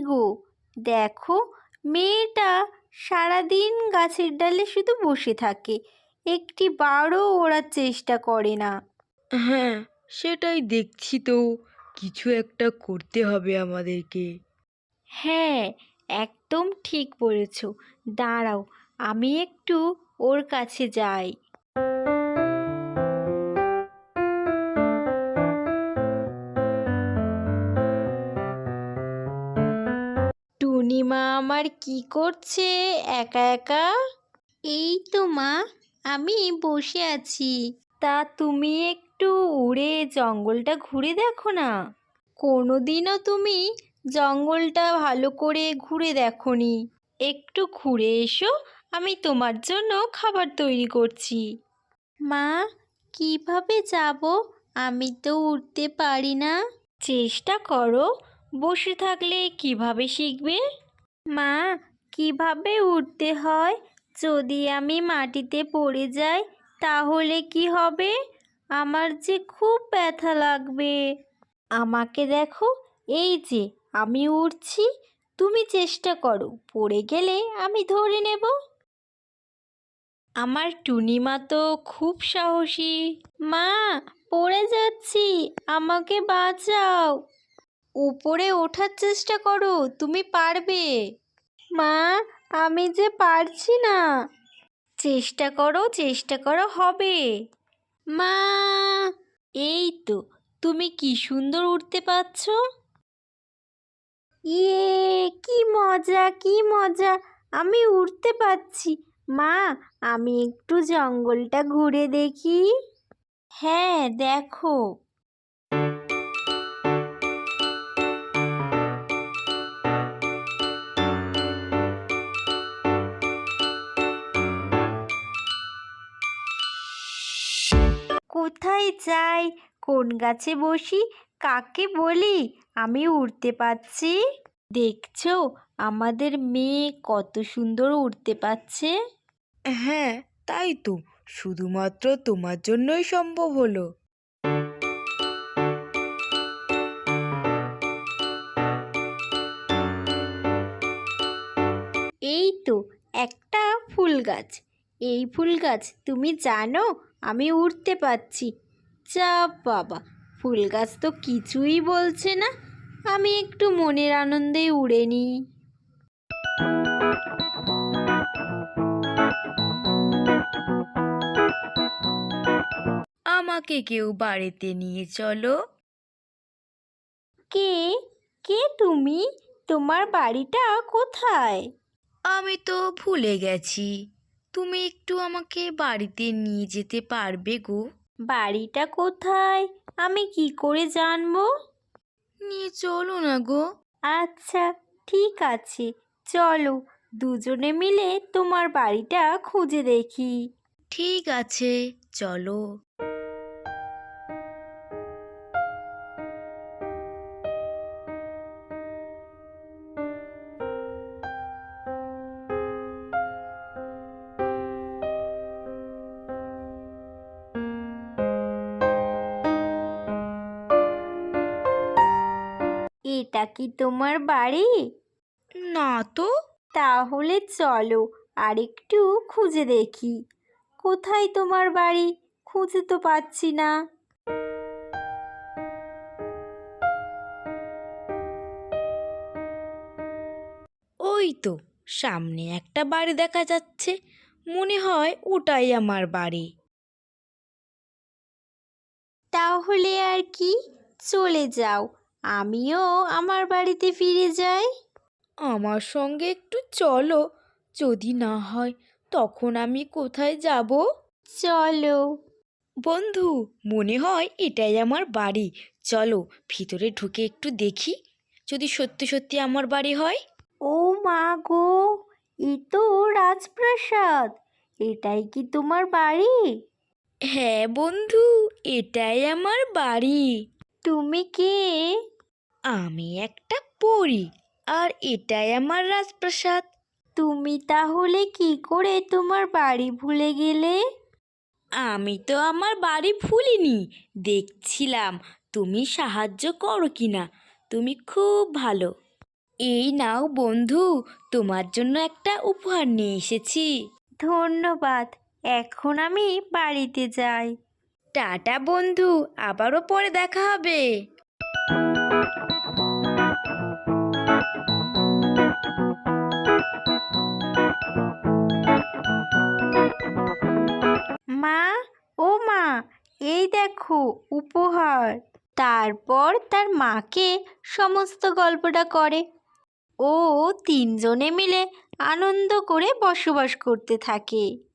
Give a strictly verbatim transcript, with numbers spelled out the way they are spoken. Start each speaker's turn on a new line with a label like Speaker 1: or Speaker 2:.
Speaker 1: গো, দেখো মেয়েটা সারাদিন গাছের ডালে শুধু বসে থাকে, একটি বারও ওড়ার চেষ্টা করে না।
Speaker 2: হ্যাঁ, সেটাই দেখছি তো, কিছু একটা করতে হবে আমাদেরকে।
Speaker 1: হ্যাঁ, একদম ঠিক বলেছ। দাঁড়াও, আমি একটু ওর কাছে যাই। টুনিমা আমার কি করছে একা একা? এই তো মা, আমি বসে আছি। তা তুমি একটু উড়ে জঙ্গলটা ঘুরে দেখো না। কোনোদিনও তুমি জঙ্গলটা ভালো করে ঘুরে দেখোনি। একটু ঘুরে এসো, আমি তোমার জন্য খাবার তৈরি করছি। মা, কিভাবে যাব? আমি তো উঠতে পারি না। চেষ্টা করো, বসে থাকলে কিভাবে শিখবে? মা, কিভাবে উঠতে হয়? যদি আমি মাটিতে পড়ে যাই তাহলে কি হবে? আমার যে খুব ব্যথা লাগবে। আমাকে দেখো, এই যে আমি উঠছি, তুমি চেষ্টা করো, পড়ে গেলে আমি ধরে নেব। আমার টুনিমা তো খুব সাহসী। মা, পড়ে যাচ্ছি, আমাকে বাঁচাও। উপরে ওঠার চেষ্টা করো, তুমি পারবে। মা, আমি যে পারছি না। চেষ্টা করো, চেষ্টা করো, হবে। মা, এই তো, তুমি কি সুন্দর উঠতে পারছো। ইয়ে, কি মজা, কি মজা, আমি উঠতে পারছি। মা, আমি একটু জঙ্গলটা ঘুরে দেখি। হ্যাঁ, দেখো। কোথায় যাই, কোন গাছে বসি, কাকে বলি আমি উড়তে পারছি? দেখছো আমাদের মেয়ে কত সুন্দর উড়তে পারছে।
Speaker 2: হ্যাঁ, তাই তো, শুধুমাত্র তোমার জন্যই সম্ভব হলো।
Speaker 1: এই তো একটা ফুল গাছ। এই ফুল গাছ, তুমি জানো আমি উড়তে পারছি। যা বাবা, ফুল গাছ তো কিছুই বলছে না। আমি একটু মনের আনন্দে উড়ে নিই।
Speaker 2: আমাকে কেউ বাড়িতে নিয়ে চলো।
Speaker 1: কে কে তুমি? তোমার বাড়িটা কোথায়?
Speaker 2: আমি তো ভুলে গেছি, তুমি একটু আমাকে বাড়িতে নিয়ে যেতে পারবে গো?
Speaker 1: বাড়িটা কোথায় আমি কি করে জানবো?
Speaker 2: নিয়ে চলো না গো।
Speaker 1: আচ্ছা, ঠিক আছে, চলো দুজনে মিলে তোমার বাড়িটা খুঁজে দেখি।
Speaker 2: ঠিক আছে, চলো।
Speaker 1: এটা কি তোমার বাড়ি?
Speaker 2: না তো।
Speaker 1: তাহলে চলো আরেকটু খুঁজে দেখি। কোথায় তোমার বাড়ি? খুঁজে তো পাচ্ছি না।
Speaker 2: ওই তো, সামনে একটা বাড়ি দেখা যাচ্ছে, মনে হয় ওটাই আমার বাড়ি।
Speaker 1: তাহলে আর কি, চলে যাও, আমিও আমার বাড়িতে ফিরে যাই।
Speaker 2: আমার সঙ্গে একটু চলো, যদি না হয় তখন আমি কোথায় যাব?
Speaker 1: চলো।
Speaker 2: বন্ধু, মনে হয় এটাই আমার বাড়ি, চলো ভিতরে ঢুকে একটু দেখি, যদি সত্যি সত্যি আমার বাড়ি হয়।
Speaker 1: ও মা গো, এ তো রাজপ্রাসাদ। এটাই কি তোমার বাড়ি?
Speaker 2: হ্যাঁ বন্ধু, এটাই আমার বাড়ি।
Speaker 1: তুমি কে?
Speaker 2: আমি একটা পরী, আর এটাই আমার রাজপ্রাসাদ।
Speaker 1: তুমি তাহলে কি করে তোমার বাড়ি ভুলে গেলে?
Speaker 2: আমি তো আমার বাড়ি ভুলিনি, দেখছিলাম তুমি সাহায্য করো কিনা। তুমি খুব ভালো। এই নাও বন্ধু, তোমার জন্য একটা উপহার নিয়ে এসেছি।
Speaker 1: ধন্যবাদ। এখন আমি বাড়িতে যাই।
Speaker 2: টাটা বন্ধু, আবারও পরে দেখা হবে।
Speaker 1: মা, ও মা, এই দেখো উপহার। তারপর তার মাকে সমস্ত গল্পটা করে। ও তিনজনে মিলে আনন্দ করে বসবাস করতে থাকে।